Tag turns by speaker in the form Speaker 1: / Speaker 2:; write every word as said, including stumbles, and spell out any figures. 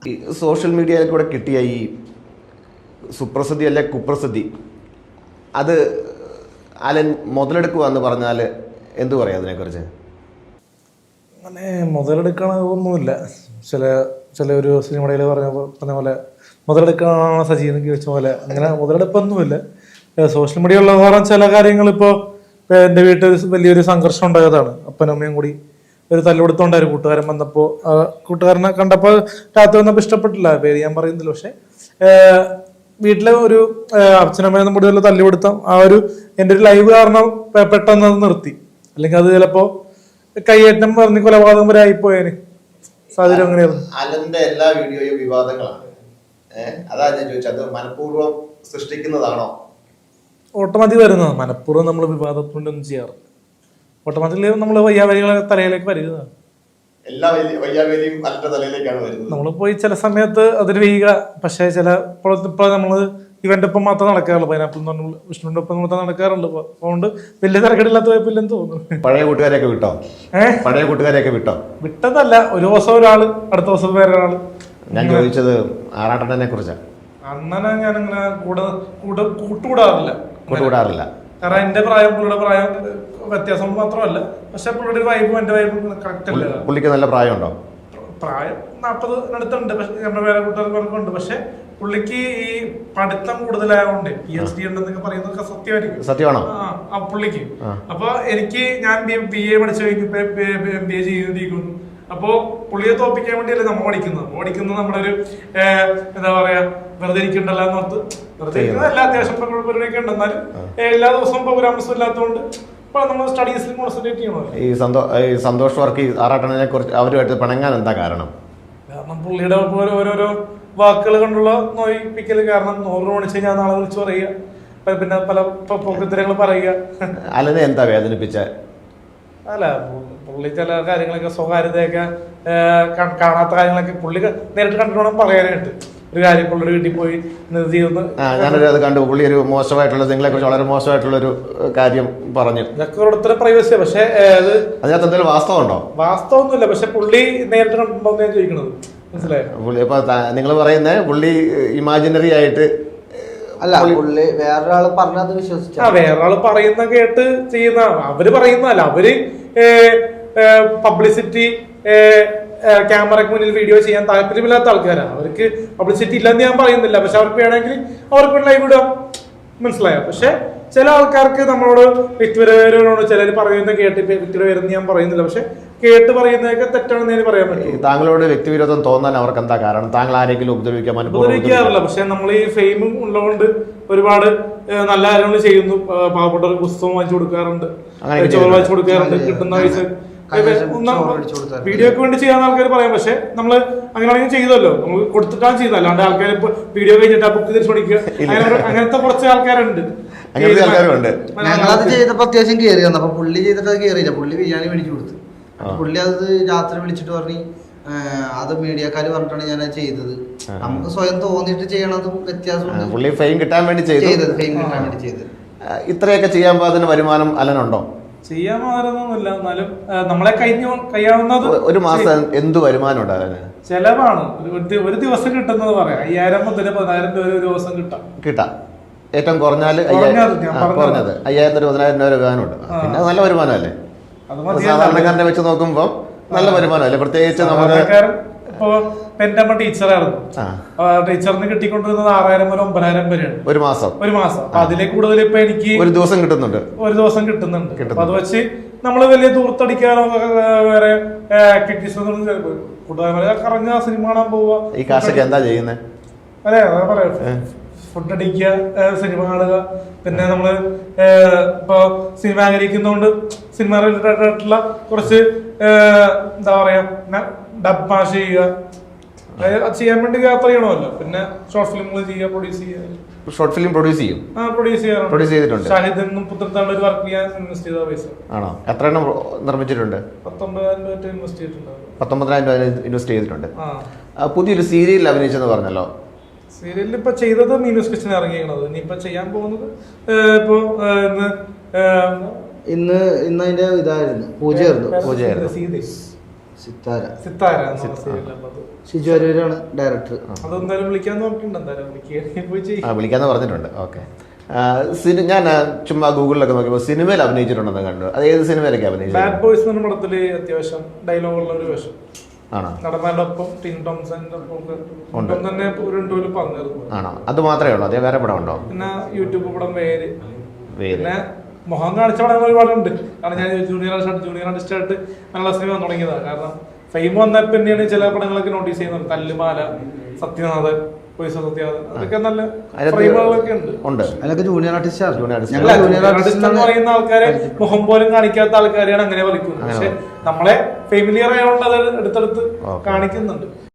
Speaker 1: ഈ സോഷ്യൽ മീഡിയയിൽ കൂടെ കിട്ടിയ ഈ സുപ്രസിദ്ധി അല്ലെ കുപ്രസിദ്ധി അത് അലൻ മുതലെടുക്കുക എന്ന് പറഞ്ഞാൽ എന്തു പറയാം അതിനെക്കുറിച്ച്?
Speaker 2: അങ്ങനെ മുതലെടുക്കണ ഒന്നുമില്ല. ചില ചില ഒരു സിനിമയിൽ പറഞ്ഞ പറഞ്ഞ പോലെ മുതലെടുക്കണ സജീവനക്ക് വെച്ച പോലെ അങ്ങനെ മുതലെടുപ്പൊന്നുമില്ല. സോഷ്യൽ മീഡിയ ഉള്ള കാരണം ചില കാര്യങ്ങൾ ഇപ്പോൾ എൻ്റെ വീട്ടിൽ വലിയൊരു സംഘർഷം ഉണ്ടായതാണ്. അപ്പനും അമ്മയും കൂടി ഒരു തല്ലുകൊടുത്തോണ്ടായിരുന്നു. കൂട്ടുകാരൻ വന്നപ്പോൾ കൂട്ടുകാരനെ കണ്ടപ്പോൾ രാത്രി വന്നപ്പോൾ ഇഷ്ടപ്പെട്ടില്ല, പേര് ഞാൻ പറയുന്നില്ല. പക്ഷെ വീട്ടിലെ ഒരു അച്ഛനമ്മയൊന്നും കൂടി വല്ല തല്ലുകൊടുത്താം ആ ഒരു എൻ്റെ ഒരു ലൈവ് കാരണം പെട്ടെന്ന് അത് നിർത്തി. അല്ലെങ്കിൽ അത് ചിലപ്പോ കയ്യേറ്റം പറഞ്ഞ് കൊലപാതകം വരെ ആയിപ്പോയേന് സാഹചര്യം അങ്ങനെയായിരുന്നു.
Speaker 1: അലന്റെ എല്ലാ വീഡിയോയും വിവാദങ്ങളാണ്. അതാ ഞാൻ ചോദിച്ചത്, അത് മനഃപൂർവ്വം സൃഷ്ടിക്കുന്നതാണോ?
Speaker 2: ഓട്ടോമാറ്റിക് വരുന്നതാണ്. മനഃപൂർവ്വം നമ്മൾ വിവാദത്തിനൊന്നും ചെയ്യാറില്ല. ഓട്ടോമാറ്റിക്കലി നമ്മൾ വയ്യാവലികളെ തലയിലേക്ക് വരുന്നതാണ്.
Speaker 1: എല്ലാ വയ്യാവലിയും അലന്റെ തലയിലേക്കാണ് വരുന്നത്.
Speaker 2: നമ്മൾ പോയി ചില സമയത്ത് അതിന് വീഴുക. പക്ഷേ ചില ഇപ്പോൾ ഇപ്പോൾ നമ്മൾ ഇവന്റെ ഒപ്പം മാത്രം നടക്കാറുള്ളൂ. പൈനാപ്പിൾ എന്ന് പറഞ്ഞ വിഷ്ണുവിന്റെ ഒപ്പം മാത്രം നടക്കാറുള്ളൂ. അതുകൊണ്ട് വലിയ തിരക്കടില്ലാത്ത പോയപ്പില്ലെന്ന് തോന്നുന്നു.
Speaker 1: പഴയ കൂട്ടുകാരെയൊക്കെ വിട്ടോ? ഏഹ് പഴയ കൂട്ടുകാരെയൊക്കെ വിട്ടോ? വിട്ടതല്ല,
Speaker 2: ഒരു ദിവസം ഒരാള്, അടുത്ത ദിവസം വേറെ ഒരാള്.
Speaker 1: ഞാൻ ചോദിച്ചത് ആറാട്ടനെ കുറിച്ചാണ്.
Speaker 2: അണ്ണനെ ഞാനിങ്ങനെ കൂടെ കൂടെ കൂട്ടുകൂടാറില്ല
Speaker 1: കൂട്ടുകൂടാറില്ല
Speaker 2: കാരണം എന്റെ പ്രായം പുള്ളിയുടെ പ്രായം വ്യത്യാസം മാത്രമല്ല. പക്ഷെ പുള്ളിയുടെ വൈബും എന്റെ വൈബും കറക്റ്റ് അല്ല.
Speaker 1: പുള്ളിക്ക് നല്ല പ്രായമുണ്ടോ? പ്രായം
Speaker 2: നാൽപ്പതിനടുത്തുണ്ട്. പക്ഷെ നമ്മുടെ വേറെ കൂട്ടുകാർക്കുണ്ട്. പക്ഷെ പുള്ളിക്ക് ഈ പഠിത്തം കൂടുതലായതുകൊണ്ട് പി എച്ച് ഡി ഉണ്ടെന്നൊക്കെ പറയുന്നതൊക്കെ സത്യമായിരിക്കും.
Speaker 1: സത്യമാണോ?
Speaker 2: ആ പുള്ളിക്ക്. അപ്പൊ എനിക്ക് ഞാൻ ബി എ പഠിച്ചു കഴിഞ്ഞു, എം ബി എ ചെയ്തിരിക്കുന്നു. അപ്പോ പുള്ളിയെ തോപ്പിക്കാൻ വേണ്ടിയല്ലേ നമ്മൾ പഠിക്കുന്നത്. പഠിക്കുന്നത് നമ്മുടെ ഒരു എന്താ പറയാ വെറുതെ ഇരിക്കണ്ടല്ലോ എന്നോർത്ത്. വെറുതെ ഇരിക്കുന്നതല്ല, അത്യാവശ്യം പരിപാടിയൊക്കെ ഉണ്ട്. എന്നാലും എല്ലാ ദിവസവും പ്രോഗ്രാംസും ഇല്ലാത്തതുകൊണ്ട് നമ്മൾ സ്റ്റഡീസിൽ കോൺസെൻട്രേറ്റ് ചെയ്യണമല്ലോ.
Speaker 1: ഈ സന്തോ ഈ സന്തോഷ് വർക്ക് ആറാട്ടനെ കുറിച്ച് അവരുമായിട്ട് പിണങ്ങാൻ എന്താ കാരണം?
Speaker 2: കാരണം പുള്ളിയുടെ ഓരോരോ വാക്കുകൾ കൊണ്ടുള്ള നോയിപ്പിക്കല്. കാരണം നൂറ് മണിച്ച് ഞാൻ നാളെ വിളിച്ചു പറയുക, പിന്നെ പല പോക്കത്തിരങ്ങൾ പറയുക.
Speaker 1: അലനെ എന്താ വേദനിപ്പിച്ച?
Speaker 2: അല്ല, പുള്ളി ചില കാര്യങ്ങളൊക്കെ സ്വകാര്യതയൊക്കെ കാണാത്ത കാര്യങ്ങളൊക്കെ പുള്ളി നേരിട്ട് കണ്ടിട്ട് പറയാനായിട്ട്. ഒരു കാര്യം പുള്ളിയുടെ വീട്ടിൽ പോയി
Speaker 1: ഞാനൊരു അത് കണ്ടു. പുള്ളി ഒരു മോശമായിട്ടുള്ള നിങ്ങളെ കുറിച്ച് വളരെ മോശമായിട്ടുള്ള ഒരു കാര്യം പറഞ്ഞു.
Speaker 2: ഇതൊക്കെ ഓരോരുത്തരുടെ പ്രൈവസിയാ. പക്ഷെ അത്
Speaker 1: അതിനകത്ത് എന്തെങ്കിലും വാസ്തവം ഉണ്ടോ?
Speaker 2: വാസ്തവൊന്നുമില്ല. പക്ഷെ പുള്ളി നേരിട്ട് കണ്ടിട്ടുണ്ടോ ഞാൻ ചോദിക്കണത്. മനസ്സിലായോ?
Speaker 1: പുള്ളി ഇപ്പൊ നിങ്ങൾ പറയുന്നേ പുള്ളി ഇമാജിനറി ആയിട്ട്
Speaker 3: അല്ല, പുള്ളി വേറൊരാള് പറഞ്ഞത് വിശ്വസിച്ചു.
Speaker 2: ആ വേറൊരാള് പറയുന്ന കേട്ട് ചെയ്യുന്ന അവര് പറയുന്നതല്ല. അവര് പബ്ലിസിറ്റി, ക്യാമറയ്ക്ക് മുന്നിൽ വീഡിയോ ചെയ്യാൻ താല്പര്യമില്ലാത്ത ആൾക്കാരാണ്. അവർക്ക് പബ്ലിസിറ്റി ഇല്ലെന്ന് ഞാൻ പറയുന്നില്ല. പക്ഷെ അവർക്ക് വേണമെങ്കിൽ അവർക്ക് ലൈവ് ഇടാം. മനസ്സിലായോ? പക്ഷെ ചില ആൾക്കാർക്ക് നമ്മളോട് വ്യക്തിപരമായിട്ട് ചിലർ പറയുന്ന കേട്ട് വ്യക്തിപരമെന്ന് ഞാൻ പറയുന്നില്ല. പക്ഷെ കേട്ട് പറയുന്നതൊക്കെ തെറ്റാണെന്ന് ഞാൻ പറയാൻ പറ്റും.
Speaker 1: താങ്കളോട് വ്യക്തിവിരോധം തോന്നാൻ അവർക്ക് എന്താ കാരണം? താങ്കൾ ആരെങ്കിലും ഉപദ്രവിക്കാൻ
Speaker 2: ഉപദ്രവിക്കാറില്ല. പക്ഷെ നമ്മൾ ഈ ഫെയിമും ഉള്ളതുകൊണ്ട് ഒരുപാട് നല്ല കാര്യങ്ങൾ ചെയ്യുന്നു. പാവപ്പെട്ടവർക്ക് പുസ്തകം വാങ്ങിച്ചു കൊടുക്കാറുണ്ട്, ചോറ് വാങ്ങിച്ചു കൊടുക്കാറുണ്ട്. കിട്ടുന്ന പൈസ വീഡിയോക്ക് വേണ്ടി ചെയ്യാൻ ആൾക്കാർ പറയാം. പക്ഷെ നമ്മള് അങ്ങനെയാണെങ്കിൽ ചെയ്തല്ലോ, നമ്മൾ കൊടുത്തിട്ടാണ് ചെയ്യുന്നത്. അല്ലാണ്ട് ആൾക്കാർ ഇപ്പൊ വീഡിയോ കഴിഞ്ഞിട്ട് ആ ബുക്ക് തിരിച്ചു പഠിക്കുക, അങ്ങനത്തെ കുറച്ച് ആൾക്കാരുണ്ട്.
Speaker 3: ഞങ്ങളത് ചെയ്തപ്പോ അത്യാവശ്യം കയറി വന്നു. അപ്പൊ പുള്ളി ചെയ്തിട്ട് അത് കയറിയില്ല. പുള്ളി ബിരിയാണി മേടിച്ചു കൊടുത്തു. പുള്ളി അത് രാത്രി വിളിച്ചിട്ട് പറഞ്ഞു അത് മീഡിയക്കാര് പറഞ്ഞിട്ടാണ് ഞാൻ അത് ചെയ്തത്. നമുക്ക് സ്വയം തോന്നിയിട്ട് ചെയ്യണതും വ്യത്യാസമുണ്ട്.
Speaker 1: പുള്ളി ഫെയിം കിട്ടാൻ വേണ്ടി ചെയ്തത്.
Speaker 3: ഫെയിം കിട്ടാൻ വേണ്ടി ചെയ്തത്.
Speaker 1: ഇത്രയൊക്കെ ചെയ്യാൻ അതിന് വരുമാനം അലനുണ്ടോ?
Speaker 2: ചെയ്യാൻ മാറുന്നൊന്നുമില്ല. എന്നാലും നമ്മളെ കഴിഞ്ഞ കഴിയാവുന്നത്
Speaker 1: ഒരു മാസം എന്ത് വരുമാനം ഉണ്ടാകാന്
Speaker 2: ചെലവാണ്. ഒരു ദിവസം കിട്ടുന്നത് പറയാം അയ്യായിരം മുതൽ പതിനായിരം രൂപ ഒരു ദിവസം കിട്ടാം
Speaker 1: കിട്ടാം ഏറ്റവും കുറഞ്ഞാല് കുറഞ്ഞത് അയ്യായിരത്തി പതിനായിരം രൂപ വരുമാനമുണ്ട്. പിന്നെ നല്ല വരുമാനമല്ലേ? സാധാരണക്കാരനെ വെച്ച് നോക്കുമ്പോ നല്ല വരുമാനമല്ലേ? പ്രത്യേകിച്ച് നമുക്ക്
Speaker 2: ഇപ്പൊ എന്റെ അമ്മ ടീച്ചറായിരുന്നു. ടീച്ചറിന് കിട്ടിക്കൊണ്ടിരുന്നത് ആറായിരം മുതൽ ഒമ്പതിനായിരം വരെയാണ് ഒരു മാസം ഒരു മാസം അപ്പൊ അതിലെ കൂടുതൽ ഇപ്പൊ എനിക്ക് ഒരു ദിവസം കിട്ടുന്നുണ്ട് ഒരു ദിവസം കിട്ടുന്നുണ്ട്. അപ്പൊ അത് വെച്ച് നമ്മള് വലിയ ദൂർത്തടിക്കാനോ വേറെ ആക്ടിവിറ്റീസ് കൂട്ടുകാരെ കറങ്ങുക, സിനിമ കാണാൻ പോവുക.
Speaker 1: ഈ കാശൊക്കെ എന്താ ചെയ്യുന്നത്?
Speaker 2: അതെ അതാ പറയാ, ഫുഡ് അടിക്കുക, സിനിമ കാണുക. പിന്നെ നമ്മള് ഇപ്പൊ സിനിമ ആഗ്രഹിക്കുന്നതുകൊണ്ട് സിനിമ റിലേറ്റഡ് ആയിട്ടുള്ള കുറച്ച് എന്താ പറയാ ഡബ് ചെയ്യുക, ചെയ്യാൻ വേണ്ടി യാത്ര ചെയ്യണമല്ലോ. പിന്നെ ഷോർട്ട് ഫിലിമുകൾ ചെയ്യുക, പ്രൊഡ്യൂസ് ചെയ്യുക.
Speaker 1: ഷോർട്ട് ഫിലിം പ്രൊഡ്യൂസ് ചെയ്യും?
Speaker 2: ആ പ്രൊഡ്യൂസ് ചെയ്യാറ്.
Speaker 1: പ്രൊഡ്യൂസ് ചെയ്തിട്ടുണ്ട്.
Speaker 2: ഷാഹിദ് എന്നും പുത്രത്താണ്ട് ഒരു വർക്ക് ചെയ്യാൻ ഇൻവെസ്റ്റ് ചെയ്ത പൈസ
Speaker 1: ആണോ? എത്ര എണ്ണം നിർമ്മിച്ചിട്ടുണ്ട്?
Speaker 2: പത്തൊമ്പതിനായിരം രൂപ ഇൻവെസ്റ്റ് ചെയ്തിട്ടുണ്ട്.
Speaker 1: പത്തൊമ്പതിനായിരം രൂപ ഇൻവെസ്റ്റ് ചെയ്തിട്ടുണ്ട്. പുതിയൊരു സീരിയലിൽ അഭിനയിച്ചെന്ന് പറഞ്ഞല്ലോ.
Speaker 2: സീരിയലിൽ ഇപ്പൊ ചെയ്തത് മീനൂസ് കിച്ചൻ ഇറങ്ങിയത്. ഇനി ഇപ്പൊ ചെയ്യാൻ പോകുന്നത് ഇപ്പൊ
Speaker 3: ഇന്ന് ഇന്ന് അതിന്റെ ഇതായിരുന്നു പൂജയായിരുന്നു.
Speaker 1: പൂജയായിരുന്നു.
Speaker 3: സിത്താര
Speaker 2: സിത്താര എന്നുള്ള സീരിയലുള്ളത്.
Speaker 3: ഷിജു അരൂരാണ് ഡയറക്ടർ.
Speaker 2: അതെന്തായാലും വിളിക്കാന്ന് നോക്കിയിട്ടുണ്ട്. എന്തായാലും വിളിക്കുക പോയി ചെയ്യും.
Speaker 1: ആ വിളിക്കാന്ന് പറഞ്ഞിട്ടുണ്ട്. ഓക്കെ. സിനി ഞാൻ ആ, ചുമ്മാ ഗൂഗിളിലൊക്കെ നോക്കിയപ്പോൾ സിനിമയിൽ അഭിനയിച്ചിട്ടുണ്ടെന്ന് കണ്ടു. അത് ഏത് സിനിമയിലൊക്കെ അഭിനയിച്ചു?
Speaker 2: ബാഡ് ബോയ്സ് എന്ന പടത്തില് അത്യാവശ്യം ഡയലോഗുള്ള ഒരു വേഷം.
Speaker 1: ആണോ?
Speaker 2: നടന്മാരുടെ ഒപ്പം ടിൻ ടോംസന്റെ ഒപ്പം തന്നെ ഒരു ഇന്റർവ്യൂല് പറഞ്ഞിരുന്നു.
Speaker 1: ആണോ? അത് മാത്രമേ ഉള്ളൂ? അതേ വേറെ പടം ഉണ്ടോ?
Speaker 2: പിന്നെ യൂട്യൂബ് പടം വേര്.
Speaker 1: വേര്.
Speaker 2: പിന്നെ മുഖം കാണിച്ച പടങ്ങൾ ഒരുപാടുണ്ട്. കാരണം ഞാൻ ജൂനിയർ ആർട്ടിസ്റ്റ് ജൂനിയർ ആർട്ടിസ്റ്റ് ആയിട്ട് നല്ല സിനിമ വന്നു തുടങ്ങിയതാണ്. കാരണം ഫെയിം വന്നപ്പോൾ തന്നെയാണ് ചില പടങ്ങളൊക്കെ നോട്ടീസ് ചെയ്യുന്നത്. തല്ലുമാല, സത്യനാഥൻ, സത്യനാഥൻ, അതൊക്കെ നല്ല ഫ്രെയിമുകളൊക്കെ ഉണ്ട്.
Speaker 1: ഉണ്ട്.
Speaker 3: അതിലൊക്കെ ജൂനിയർ ആർട്ടിസ്റ്റ്
Speaker 2: ജൂനിയർ ആർട്ടിസ്റ്റ് എന്ന് പറയുന്ന ആൾക്കാരെ മുഖം പോലും കാണിക്കാത്ത ആൾക്കാരെയാണ് അങ്ങനെ വിളിക്കുന്നത്. പക്ഷെ നമ്മളെ ഫെമിലിയർ ആയതുകൊണ്ട് അത് എടുത്തെടുത്ത് കാണിക്കുന്നുണ്ട്.